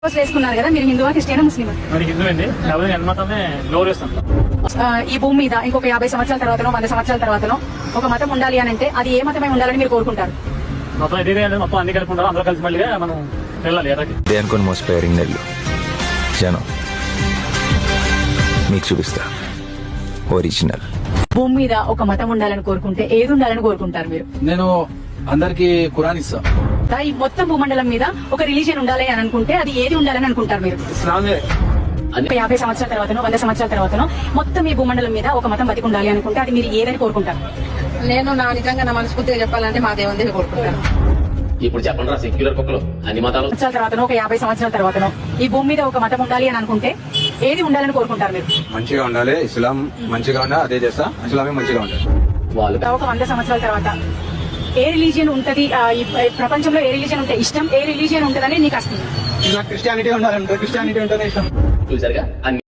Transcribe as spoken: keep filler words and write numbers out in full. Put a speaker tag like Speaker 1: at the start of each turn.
Speaker 1: వేసుకున్నారు కదా, మీరు హిందువా క్రిస్టియనా ముస్లిమా?
Speaker 2: మరి హిందూ అండి, కాబట్టి నేను మతాన్ని గౌరవిస్తాను.
Speaker 1: ఆ, ఈ భూమి మీద ఇంకొక యాభై సంవత్సరాల తర్వాతనో వంద సంవత్సరాల తర్వాతనో ఒక మతం ఉండాలి అని అంటే అది ఏ మతమై ఉండాలని మీరు కోరుకుంటారు?
Speaker 2: మొత్తం ఇదే అంటే మొత్తం అన్ని కలిపి ఉంటారు, అందరూ కలిసి మళ్ళీ మనం వెళ్ళాలి ఎర్రకి.
Speaker 3: అనుకుని మోసపోయారు నెల్లు జనం, మీకు చూపిస్తా ఒరిజినల్.
Speaker 1: భూమి మీద ఒక మతం ఉండాలని కోరుకుంటే ఏది ఉండాలని కోరుకుంటారు మీరు?
Speaker 4: నేను అందరికి ఖురాన్ ఇస్తా.
Speaker 1: ఈ మొత్తం భూమండలం మీద ఒక రిలీజియన్ ఉండాలి అని అనుకుంటే అది ఏది ఉండాలని అనుకుంటారు మీరు?
Speaker 2: ఇస్లామే.
Speaker 1: ఒక యాభై సంవత్సరాల తర్వాతనో వంద సంవత్సరాల తర్వాతనో మొత్తం ఈ భూమండలం మీద ఒక మతం బతికి ఉండాలి అనుకుంటే అది మీరు ఏదని కోరుకుంటారు?
Speaker 5: నేను నా నిజంగా నా మనస్ఫూర్తిగా చెప్పాలంటే మా దేవుని కోరుకుంటాను.
Speaker 6: ఇప్పుడు చెప్పండి రా, సెక్యులర్ కుక్కలు అన్ని మతాలు
Speaker 1: సంవత్సరాల తర్వాతనో ఒక యాభై సంవత్సరాల తర్వాతనో ఈ భూమి మీద ఒక మతం ఉండాలి అని అనుకుంటే ఏది ఉండాలని కోరుకుంటారు మీరు?
Speaker 7: మంచిగా ఉండాలి, ఇస్లాం మంచిగా ఉన్నా అదే చేస్తా, ఇస్లామే మంచిగా ఉండాలి.
Speaker 6: వాళ్ళు
Speaker 1: ఒక వంద సంవత్సరాల తర్వాత ఏ రిలీజియన్ ఉంటది, ఆ, ఈ ప్రపంచంలో ఏ రిలీజియన్ ఉంటే ఇష్టం, ఏ రిలీజియన్ ఉంటదని నీకు వస్తుంది?
Speaker 7: క్రిస్టియానిటీ ఉండాలంటే క్రిస్టియానిటీ ఉంటేనే ఇష్టం.
Speaker 6: చూసారుగా అన్ని